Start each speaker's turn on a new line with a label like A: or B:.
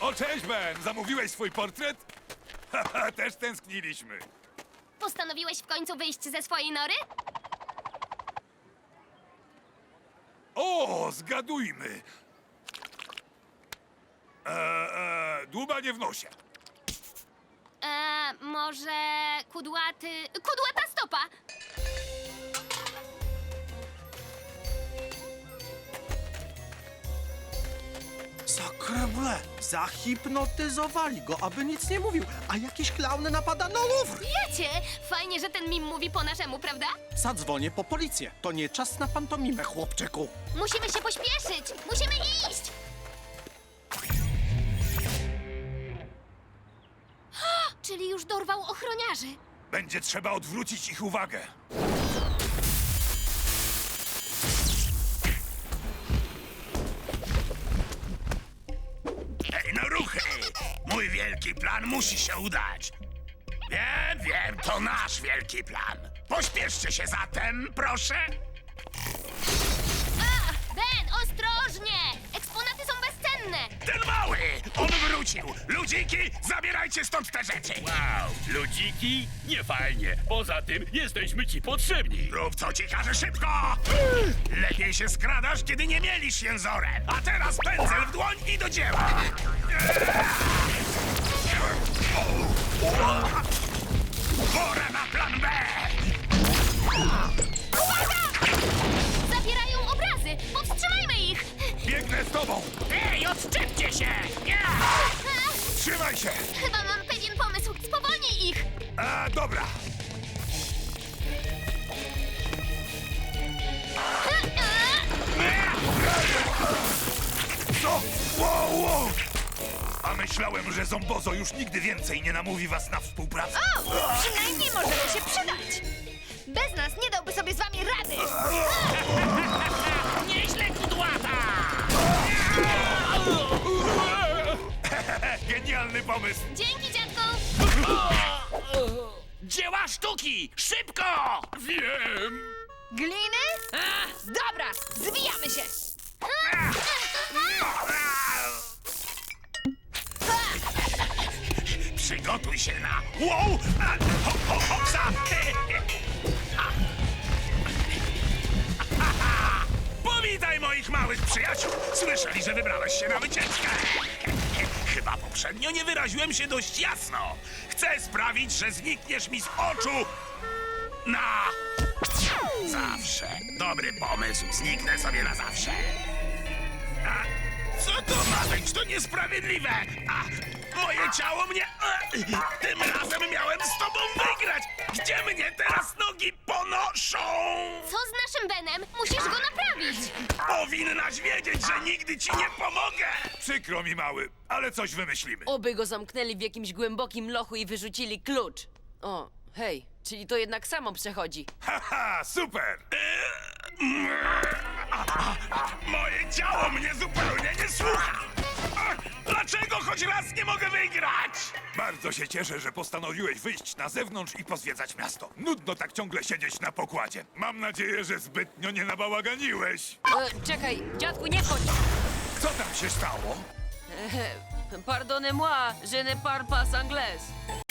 A: O, cześć, Ben! Zamówiłeś swój portret? Haha, też tęskniliśmy.
B: Postanowiłeś w końcu wyjść ze swojej nory?
A: O, zgadujmy. Dłubanie w nosie.
B: Może kudłata stopa?
C: Sakreble! Zahipnotyzowali go, aby nic nie mówił, a jakiś klaun napada na Louvre!
B: Wiecie, fajnie, że ten mim mówi po naszemu, prawda?
C: Zadzwonię po policję. To nie czas na pantomimę, chłopczyku.
B: Musimy się pośpieszyć! Musimy iść! Czyli już dorwał ochroniarzy.
A: Będzie trzeba odwrócić ich uwagę.
D: Ej, no ruchy! Mój wielki plan musi się udać. Wiem, to nasz wielki plan. Pośpieszcie się zatem, proszę.
B: Ben, ostrożnie! Eksponaty są bezcenne!
D: Ten mały! On wrócił! Ludziki, zabierajcie stąd te rzeczy!
E: Wow, ludziki? Nie fajnie. Poza tym jesteśmy ci potrzebni.
D: Rób co ci każe szybko! Lepiej się skradasz, kiedy nie mielisz jęzorem. A teraz pędzel w dłoń i do dzieła! Pora na plan B!
B: Zabierają obrazy! Powstrzymajmy ich!
A: Biegnę z tobą!
D: Ej, odczepcie się! Nie!
A: Trzymaj się!
B: Chyba mam pewien pomysł. Spowolnij ich!
A: Dobra. Co? Wow! A myślałem, że Zombozo już nigdy więcej nie namówi was na współpracę.
F: Przynajmniej możemy się przydać. Bez nas nie dałby sobie z wami rady.
D: Nieźle, kudłata!
A: Genialny pomysł!
B: Dzięki, dziadku!
D: Dzieła sztuki! Szybko!
E: Wiem.
F: Gliny? Dobra, zwijamy się.
D: Przygotuj się na... Wow! Hopsa! Powitaj moich małych przyjaciół! Słyszeli, że wybrałeś się na wycieczkę! Chyba poprzednio nie wyraziłem się dość jasno. Chcę sprawić, że znikniesz mi z oczu na... zawsze. Dobry pomysł. Zniknę sobie na zawsze. A, co to ma być? To niesprawiedliwe! A, moje ciało mnie... tym razem miałem z tobą wygrać! Gdzie mnie teraz nogi ponoszą?
B: Co z naszym Benem? Musisz go naprawić!
D: Powinnaś wiedzieć, że nigdy ci nie pomogę!
A: Przykro mi, mały, ale coś wymyślimy.
G: Oby go zamknęli w jakimś głębokim lochu i wyrzucili klucz. O, hej, czyli to jednak samo przechodzi.
A: Haha, super!
D: Moje ciało mnie zupełnie nie słucha! Dlaczego choć raz nie mogę wygrać?
A: Bardzo się cieszę, że postanowiłeś wyjść na zewnątrz i pozwiedzać miasto. Nudno tak ciągle siedzieć na pokładzie. Mam nadzieję, że zbytnio nie nabałaganiłeś.
G: Czekaj, dziadku, nie wchodź!
A: Co tam się stało?
G: Pardonnez-moi, je ne parle pas anglais.